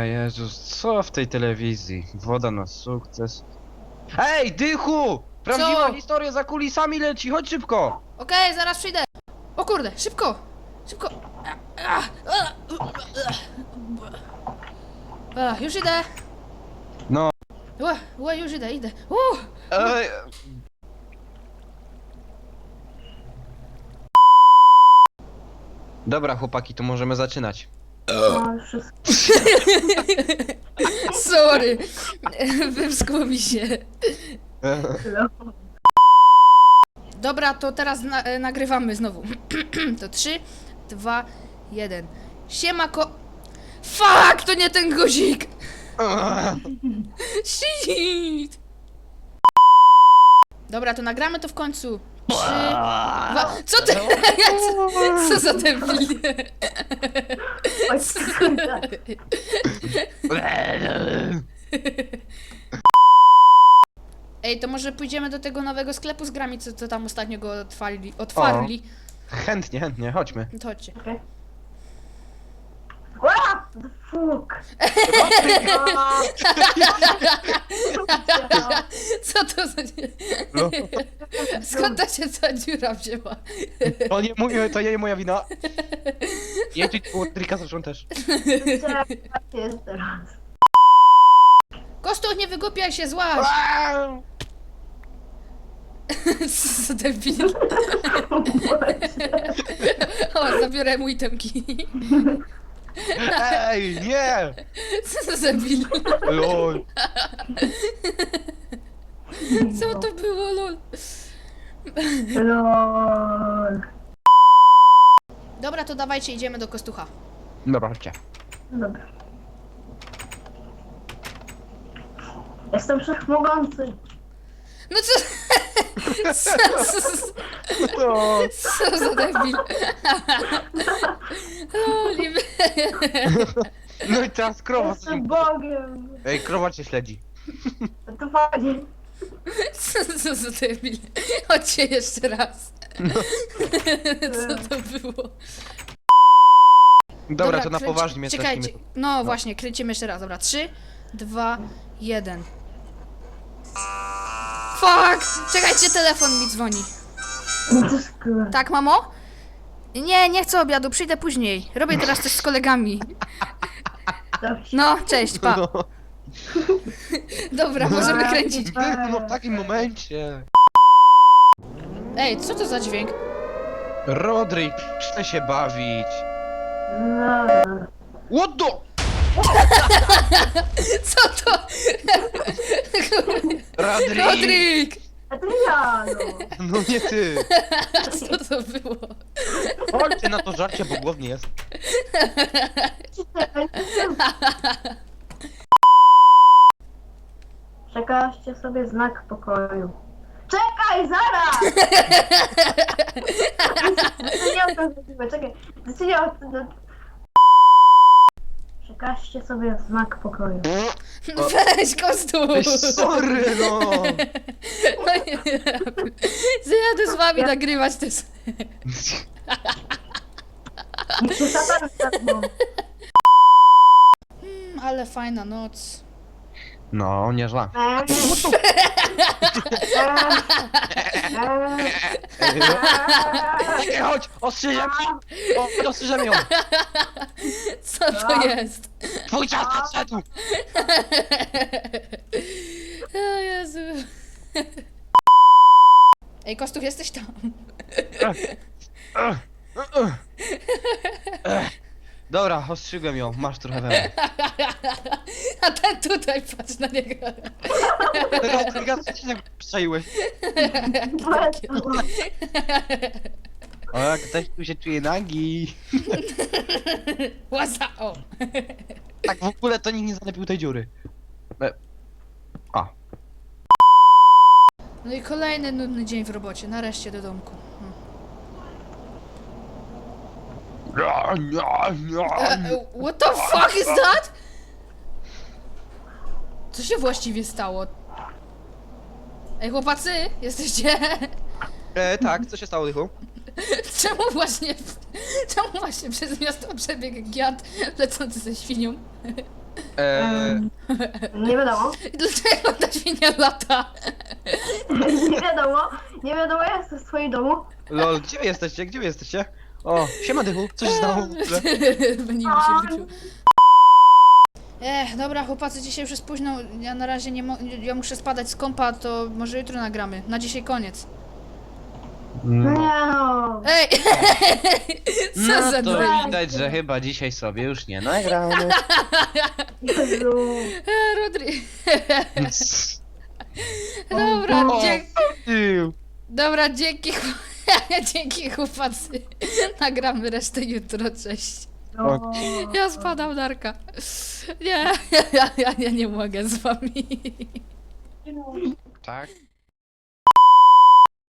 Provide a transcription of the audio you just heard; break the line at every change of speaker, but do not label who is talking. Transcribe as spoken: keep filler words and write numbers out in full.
Jezus, co w tej telewizji? Woda na sukces. Ej, Dychu! Prawdziwa
Co?
historia za kulisami leci, chodź szybko!
Okej, zaraz przyjdę. O kurde, szybko! Szybko! A, już idę!
No.
Ła, ła, już idę, idę. Uh,
Ej. Dobra, chłopaki, to możemy zaczynać.
No, wszystko.
sorry! Wymskło mi się. Dobra, to teraz na, e, nagrywamy znowu. To trzy, dwa, jeden. Siema ko... Fuck, to nie ten guzik! Shit! Dobra, to nagramy to w końcu. Trzy, dwa... Co ty? co, co za debil?
Oj, kurde.
Ej, to może pójdziemy do tego nowego sklepu z grami, co, co tam ostatnio go otwarli. otwarli.
Chętnie, chętnie, chodźmy.
To chodźcie.
Okej. What the fuck?
Co to za...
No.
Skąd ta się ta dziura wzięła?
To nie mówię, to nie moja wina. Jedzie było trika zresztą też.
Czekaj, jest teraz.
Kostuch, nie wygłupiaj się, złaź! Co za debil. O, zabiorę mu itemki.
Ej, nie!
Co za debil.
Lol.
Co to było, lol?
Lol.
Dobra, to dawajcie, idziemy do Kostucha.
Dobra, chodźcie.
Dobra. Jestem wszechmogący.
No co? Co, co,
No.
co za debil. Loli.
No i teraz krowa.
Jestem Bogiem.
Ej, krowa cię śledzi.
To fajnie.
Co, co za debil. Chodźcie jeszcze raz. Co to było?
Dobra, to na
kręci-
poważnie mnie
Czekajcie.
zacznijmy.
No właśnie, kręcimy jeszcze raz. Dobra, trzy, dwa, jeden. Fuck! Czekajcie, telefon mi dzwoni.
To jest kurde.
Tak, mamo? Nie, nie chcę obiadu, przyjdę później. Robię teraz coś z kolegami.
Dobrze.
No, cześć, pa.
No.
Dobra, możemy kręcić.
Dychu, no w takim momencie.
Ej, co to za dźwięk?
Rodrik, chcę się bawić.
No.
What the?
Co to?
Rodrik!
Rodrik!
A to ja, no.
No nie ty.
Co to było?
Chodźcie na to żarcie, bo głownie jest.
Przekażcie sobie znak pokoju. Czekaj, zaraz! Nie o to chodziło, czekaj. Nie o to... Przekażcie sobie znak pokoju.
No weź, Kostuś!
Ej, sorry, no.
No nie, zajadę z wami nagrywać te...
Niech się szatan zgadną.
Mm, ale fajna noc.
No, nieźle.
Eee. Eee.
Ej, chodź, ostrzyżem, o, ostrzyżem ją.
Co to jest?
Twój czas nadszedł.
O Jezu. Ej, Kostuch, jesteś tam?
Dobra, ostrzygłem ją, masz trochę we.
A ten tutaj, patrz na niego.
Rodriga, co się tak przejłeś? O, jak ktoś tu się czuje nagi.
Łaza, o.
Tak w ogóle to nikt nie zalepił tej dziury. E. A.
No i kolejny nudny dzień w robocie, nareszcie do domku. Hmm. E, e, what the fuck is that? Co się właściwie stało? Ej, chłopacy, jesteście?
E, tak, co się stało, Dychu?
Czemu właśnie, czemu właśnie przez miasto przebiegł giat lecący ze świnią?
Eee,
Em, nie wiadomo.
Dlaczego ta świnia lata?
Nie wiadomo. Nie wiadomo, ja jestem w swoim domu.
lol, gdzie wy jesteście? Gdzie wy jesteście? O, siema Dychu, co się stało w ogóle?
Będzie mi się wyczuł. Ech, dobra chłopacy, dzisiaj już jest późno, ja na razie nie mo- ja muszę spadać z kompa, to może jutro nagramy. Na dzisiaj koniec.
No
No,
nie no.
Ej! Co
no
za
to
dwa?
widać, że chyba dzisiaj sobie już nie nagramy.
Jezu.
E, Rodri. Dobra,
O,
dzie-
Ew.
dobra, dzięki, chł- dzięki chłopacy. Nagramy resztę jutro, cześć.
No.
Ja spadam, Darka. Nie, ja, ja, ja nie mogę z wami.
Tak?